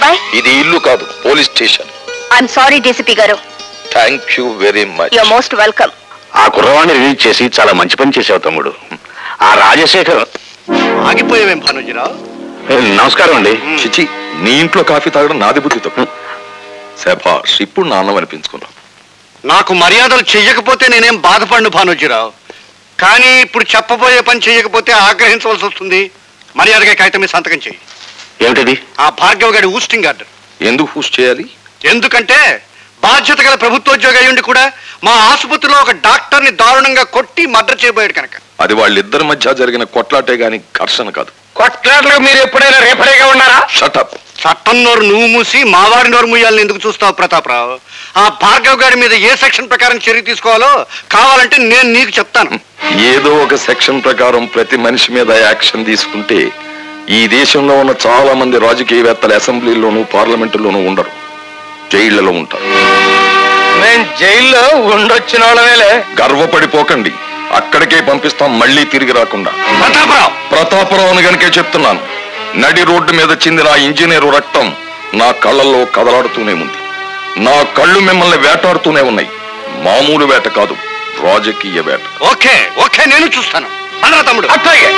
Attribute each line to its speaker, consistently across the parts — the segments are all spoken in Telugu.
Speaker 1: అబ్బాయి?
Speaker 2: ఇది ఇల్లు కాదు, police station.
Speaker 1: I'm sorry DCP గారు.
Speaker 2: Thank you very much.
Speaker 1: You are most welcome.
Speaker 3: ఆ కుర్రవాణ్ణి రిలీజ్ చేసి చాలా మంచి పని చేసావు తమ్ముడు. ఆ రాజశేఖర్
Speaker 4: ఆగిపోయావేం భానుజీరావు?
Speaker 3: నమస్కారం అండి.
Speaker 2: చిచి, నీ ఇంట్లో కాఫీ తాగడం నాది బుద్ధి తప్పు. శభాష్, ఇప్పుడు నాన్నం అనిపించుకున్నాం.
Speaker 4: నాకు మర్యాదలు చెయ్యకపోతే నేనేం బాధపడను భానుజీరావు, కానీ ఇప్పుడు చెప్పబోయే పని చెయ్యకపోతే ఆగ్రహించవలసి వస్తుంది. మర్యాదగా కాగితం మీద సంతకం చెయ్యి.
Speaker 3: ఏమిటది?
Speaker 4: ఆ భార్గవ్ గారి ఊస్టింగ్ ఆర్డర్.
Speaker 2: ఎందుకు హూస్ చేయాలి?
Speaker 4: ఎందుకంటే బాధ్యత గల ప్రభుత్వోద్యోగి అయ్యుండి కూడా మా ఆసుపత్రిలో ఒక డాక్టర్ని దారుణంగా కొట్టి మర్డర్ చేయబోయాడు కనుక.
Speaker 2: అది వాళ్ళిద్దరి మధ్య జరిగిన కొట్లాటే గాని ఘర్షణ కాదు.
Speaker 3: కొట్లాటలకు మీరు ఎప్పుడైనా రేపరేగా ఉన్నారా?
Speaker 2: షటప్.
Speaker 4: చట్టం నోరు నువ్వు మూసి మావాడి నోరు మూయాలని ఎందుకు చూస్తావు ప్రతాపరావు? ఆ భార్గవ్ గారి మీద ఏ సెక్షన్ ప్రకారం చర్య తీసుకోవాలో కావాలంటే నేను నీకు చెప్తాను.
Speaker 2: ఏదో ఒక సెక్షన్ ప్రకారం ప్రతి మనిషి మీద యాక్షన్ తీసుకుంటే ఈ దేశంలో ఉన్న చాలా మంది రాజకీయవేత్తలు అసెంబ్లీలోనూ పార్లమెంటులోనూ ఉండరు, జైళ్లలో ఉంటారు.
Speaker 3: నేను జైల్లో ఉండొచ్చిన వాళ్ళమేలే.
Speaker 2: గర్వపడిపోకండి, అక్కడికే పంపిస్తాం, మళ్ళీ తిరిగి రాకుండా. ప్రతాపరావుని గనుకే చెప్తున్నాను. నడి రోడ్డు మీద చిందిన ఆ ఇంజనీరు రక్తం నా కళ్ళల్లో కదలాడుతూనే ఉంది. నా కళ్ళు మిమ్మల్ని వేటాడుతూనే ఉన్నాయి. మామూలు వేట కాదు, రాజకీయ వేట.
Speaker 4: ఓకే ఓకే, నేను చూస్తాను. అన్నా తమ్ముడు.
Speaker 3: అట్లాగే.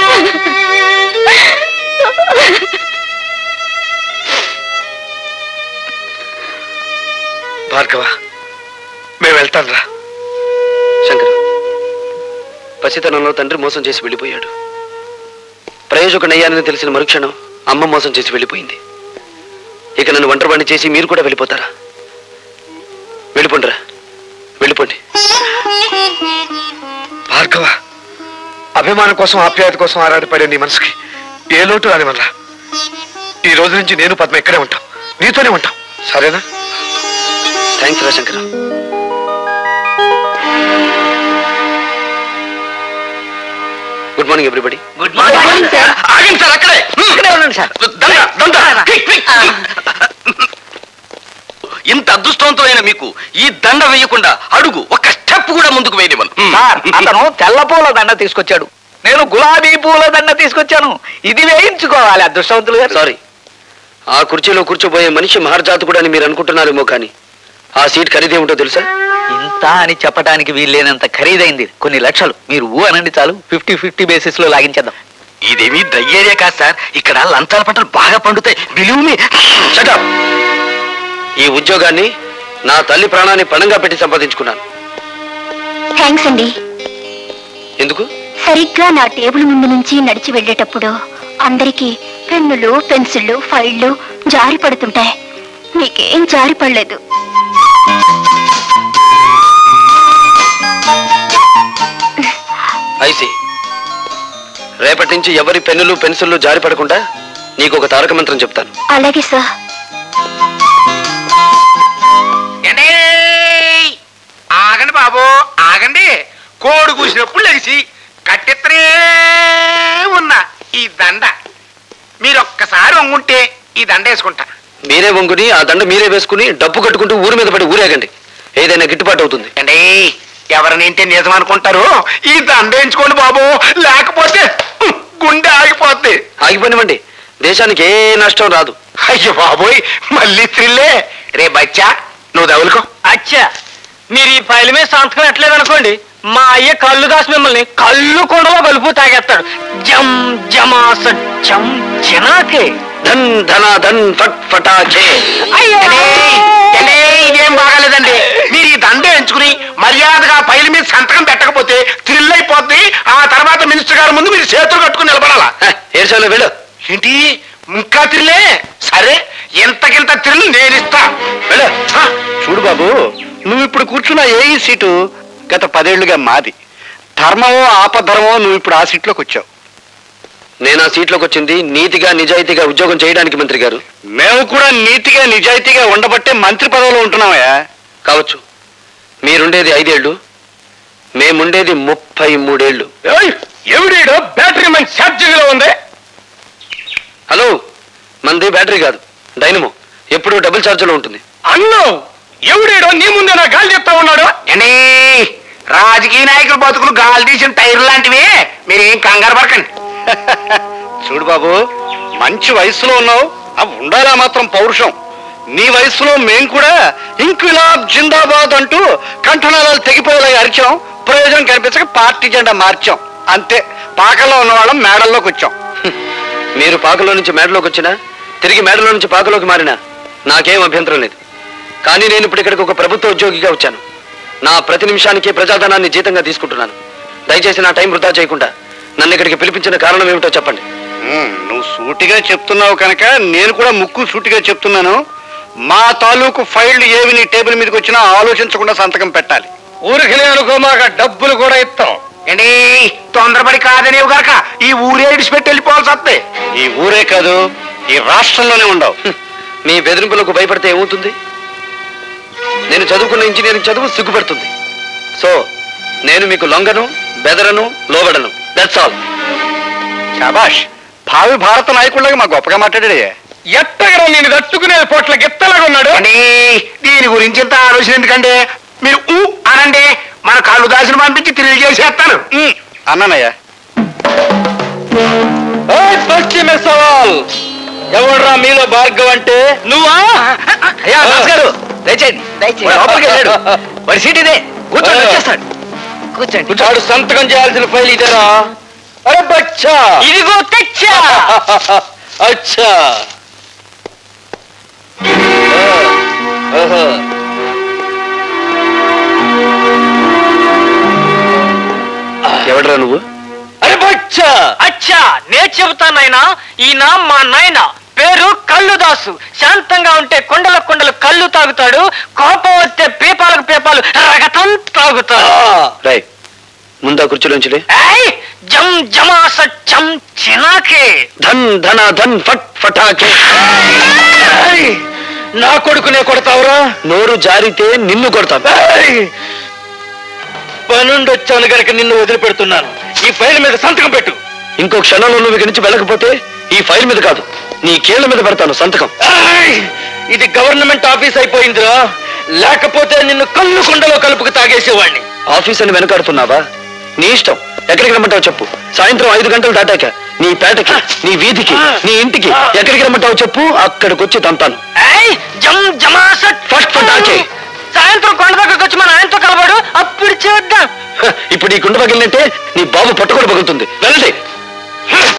Speaker 5: భార్గవ, మేము వెళ్తాం రా. శంకర్, పసితనంలో తండ్రి మోసం చేసి వెళ్ళిపోయాడు. ప్రయోజకుడయ్యానని తెలిసిన మరుక్షణం అమ్మ మోసం చేసి వెళ్ళిపోయింది. ఇక నన్ను ఒంటరివాణ్ణి చేసి మీరు కూడా వెళ్ళిపోతారా? వెళ్ళిపోండిరా, వెళ్ళిపోండి. భార్గవ, అభిమానం కోసం ఆప్యాయత కోసం ఆరాటపడే నీ మనసుకి ఏ లోటు రాని వల్ల ఈ రోజు నుంచి నేను పద్మ ఇక్కడే ఉంటాం, నీతోనే ఉంటాం, సరేనా? థ్యాంక్స్ రా Shankar. Good morning everybody.
Speaker 1: Good morning sir.
Speaker 3: ఆగండి సార్, అక్కడే
Speaker 5: ఉండండి సార్.
Speaker 3: ఇంత అదృష్టవంతమైన మీకు ఈ దండ వేయకుండా అడుగు ఒక్క స్టెప్ కూడా ముందుకు వేయనివ్వను.
Speaker 6: అతను తెల్ల పూల దండ తీసుకొచ్చాడు, నేను గులాబీ పూల దండ తీసుకొచ్చాను. ఇది వేయించుకోవాలి అదృష్టవంతులు గారు.
Speaker 5: సారీ, ఆ కుర్చీలో కూర్చోబోయే మనిషి మహర్జాతకుడు అని మీరు అనుకుంటున్నారేమో, కానీ ఆ సీట్ ఖరీదేమిటో తెలుసా?
Speaker 6: ఇంత అని చెప్పడానికి వీల్లేనంత ఖరీదైంది, కొన్ని లక్షలు. మీరు ఊ అనండి చాలు, 50-50 బేసిస్ లో లాగించేద్దాం.
Speaker 3: ఇదేమీ డ్రై ఏరియా కాదు సార్, ఇక్కడ లంచాల పంటలు బాగా పండుతాయి. Believe
Speaker 5: shut up. ఈ ఉద్యోగాన్ని నా తల్లి ప్రాణాన్ని పణంగా పెట్టి సంపాదించుకున్నాను.
Speaker 1: థ్యాంక్స్ అండి.
Speaker 5: ఎందుకు?
Speaker 1: సరిగ్గా నా టేబుల్ ముందు నుంచి నడిచి వెళ్ళేటప్పుడు అందరికీ పెన్నులు, పెన్సిళ్ళు, ఫైళ్లు జారి పడుతుంటాయి. మీకేం జారి పడలేదు.
Speaker 5: ఐసి, రేపటి నుంచి ఎవరి పెన్నులు పెన్సిళ్ళు జారి పడకుండా నీకు ఒక తారక మంత్రం చెప్తాను.
Speaker 1: అలాగే సార్.
Speaker 3: ఆగండి బాబు, ఆగండి. కోడి కూసినప్పుడు లెగిసి కట్టెత్తనే ఉన్న ఈ దండ మీరొక్కసారి వంగుంటే ఈ దండ వేసుకుంటా.
Speaker 5: మీరే వంగుని ఆ దండ మీరే వేసుకుని డబ్బు కట్టుకుంటూ ఊరి మీద పడి ఊరేగండి, ఏదైనా గిట్టుబాటు అవుతుంది.
Speaker 3: అండి, ఎవరినింటే నిజం అనుకుంటారు, ఈ దండ వేయించుకోండి బాబు, లేకపోతే గుండె ఆగిపోద్ది.
Speaker 5: ఆగిపోనివ్వండి, దేశానికి ఏ నష్టం రాదు.
Speaker 3: అయ్యో బాబోయ్, మళ్ళీ త్రిల్లే. రే బచ్చా, నువ్వు తగులుకో.
Speaker 6: అచ్చా, మీరు ఈ ఫైల్ మీద సంతకం ఎట్లేదనుకోండి, మా అయ్య కళ్ళు దాసి మిమ్మల్ని కళ్ళు కొండలో కలుపు తాగేస్తాడు. జమ్ జమాస జం జనాకే
Speaker 5: ధన్ ధన ధన్ ఫట్ ఫటాకే.
Speaker 3: ఇదేం బాగాలేదండి. మీరు ఈ దండ ఎంచుకుని మర్యాదగా ఫైల్ మీద సంతకం పెట్టకపోతే థ్రిల్ అయిపోద్ది. ఆ తర్వాత మినిస్టర్ గారి ముందు మీరు చేతులు కట్టుకుని నిలబడాలా.
Speaker 5: ఏడ్చాలో వెళ్ళు.
Speaker 3: ఏంటి ఇంకా థ్రిల్లే? సరే, ఎంతకింత థ్రిల్ నేను ఇస్తా.
Speaker 5: వెళ్ళు.
Speaker 4: చూడు బాబు, నువ్వు ఇప్పుడు కూర్చున్న ఏ సీటు గత 10 ఏళ్లుగా మాది. ధర్మమో ఆపధర్మమో నువ్వు ఇప్పుడు ఆ సీట్లోకి వచ్చావు.
Speaker 5: నేను ఆ సీట్లోకి వచ్చింది నీతిగా నిజాయితీగా ఉద్యోగం చేయడానికి మంత్రి గారు.
Speaker 4: మేము కూడా నీతిగా నిజాయితీగా ఉండబట్టే మంత్రి పదవిలో ఉంటున్నామయ్యా.
Speaker 5: కావచ్చు, మీరుండేది 5 ఏళ్ళు, మేముండేది 33 ఏళ్ళు.
Speaker 3: ఎవడేడో బ్యాటరీ మన ఛార్జింగ్ లో ఉంది.
Speaker 5: హలో, మంది బ్యాటరీ కాదు, డైనమో. ఎప్పుడు డబుల్ ఛార్జ్లో ఉంటుంది.
Speaker 3: అన్నో, ఎవడేడో నీ ముందే నా గాలి చెప్తా ఉన్నాడు. అండి, రాజకీయ నాయకులు బతుకులు గాలి తీసిన టైర్ లాంటివి, మీరేం కంగారు పడకండి.
Speaker 4: చూడు బాబు, మంచి వయసులో ఉన్నావు, ఉండాలా మాత్రం పౌరుషం. నీ వయసులో మేం కూడా ఇంక్విలాబ్ జిందాబాద్ అంటూ కంఠనాళాలు తెగిపోయేలా అరిచాం. ప్రయోజనం కనిపించక పార్టీ జెండా మార్చాం. అంతే. పాకల్లో ఉన్న వాళ్ళం మేడల్లోకి వచ్చాం.
Speaker 5: మీరు పాకలో నుంచి మేడలోకి వచ్చినా, తిరిగి మేడలో నుంచి పాకలోకి మారినా నాకేం అభ్యంతరం లేదు. కానీ నేను ఇప్పుడు ఇక్కడికి ఒక ప్రభుత్వ ఉద్యోగిగా వచ్చాను. నా ప్రతి నిమిషానికి ప్రజాధనాన్ని జీతంగా తీసుకుంటున్నాను. దయచేసి నా టైం వృధా చేయకుండా నన్ను ఇక్కడికి పిలిపించిన కారణం ఏమిటో చెప్పండి.
Speaker 4: నువ్వు సూటిగా చెప్తున్నావు కనుక నేను కూడా ముక్కు సూటిగా చెప్తున్నాను. మా తాలూకు ఫైళ్లు ఏవి నీ టేబుల్ మీదకి వచ్చినా ఆలోచించకుండా సంతకం పెట్టాలి.
Speaker 3: ఊరికి అనుకో, మాకు డబ్బులు కూడా ఇస్తాం.
Speaker 7: ఏంటి తొందరపడి కాదనేవు గాక ఈ ఊరే ఇడిచిపెట్టి వెళ్ళిపోవాల్సి వస్తే.
Speaker 4: ఈ ఊరే కాదు, ఈ రాష్ట్రంలోనే ఉండవు.
Speaker 5: మీ బెదిరింపులకు భయపడితే ఏమవుతుంది? నేను చదువుకున్న ఇంజనీరింగ్ చదువు సిగ్గుపడుతుంది. సో నేను మీకు లొంగను, బెదరను, లోబడను. That's all.
Speaker 4: శాబాష్, భావి భారత నాయకుడిలాగా మా గొప్పగా మాట్లాడాడే.
Speaker 3: ఎట్టగడం నేను తట్టుకునే పొట్ల గిత్తలాగా ఉన్నాడు.
Speaker 7: దీని గురించి ఇంత ఆలోచన ఎందుకంటే మీరు అనండి, మన కళ్ళు దాసిన పంపించి తిరిగి చేసేస్తాను.
Speaker 4: అన్నానయ్యా.
Speaker 3: పశ్చిమ సవాల్ ఎవడ్రా మీలో భార్గవ్ అంటే? నువ్వా?
Speaker 5: అయ్యా గారు దయచేయండి. వాడి సీట్ ఇదే, కూర్చోండి, వచ్చేస్తాడు. కూర్చోండి.
Speaker 3: వాడు సంతకం చేయాల్సిన ఫైల్ ఇదేరా? అరే బచ్చా,
Speaker 6: ఇదిగో తెచ్చా.
Speaker 3: అచ్చా.
Speaker 5: ఎవడరా నువ్వు?
Speaker 3: అరే బచ్చా.
Speaker 6: అచ్చా, నే చెబుతానైనా. ఈయన మా నాయన, పేరు కల్లుదాసు. శాంతంగా ఉంటే కొండల కొండలు కళ్ళు తాగుతాడు, కోపం వస్తే పేపాలకు పేపాలు రగతం తాగుతాడు.
Speaker 5: రై, ముందా కుర్చీలోంచి
Speaker 6: జం జమాస చం చినాకే.
Speaker 5: ధన్ ధన ధన్ ఫట్ ఫటాకే.
Speaker 3: నా కొడుకునే కొడతావురా?
Speaker 5: నోరు జారితే నిన్ను కొడతాను.
Speaker 3: పనుండి వచ్చాను గనక నిన్ను వదిలిపెడుతున్నాను. ఈ ఫైల్ మీద సంతకం పెట్టు.
Speaker 5: ఇంకో క్షణంలో నువ్వు ఇక్కడి నుంచి వెళ్ళకపోతే ఈ ఫైల్ మీద కాదు, నీ కీళ్ల మీద పెడతాను సంతకం.
Speaker 3: ఇది గవర్నమెంట్ ఆఫీస్ అయిపోయిందిరా, లేకపోతే నిన్ను కళ్ళు కొండలో కలుపుకు తాగేసేవాడిని.
Speaker 5: ఆఫీస్ అని వెనకాడుతున్నావా? నీ ఇష్టం, ఎక్కడికి రమ్మంటావు చెప్పు. సాయంత్రం 5 గంటలు దాటాక నీ పేటకి, నీ వీధికి, నీ ఇంటికి ఎక్కడికి రమ్మంటావు చెప్పు, అక్కడికి వచ్చి తంతాను.
Speaker 6: జం జమాస
Speaker 5: ఫట్ ఫటాకే.
Speaker 6: సాయంత్రం కొండ దగ్గరకు వచ్చి మన ఆయనతో కలవాడు, అప్పుడు చేద్దాం.
Speaker 5: ఇప్పుడు ఈ కుండ పగిలినట్టే నీ బాబు పట్టుకొని పగులుతుంది. వెళ్ళండి.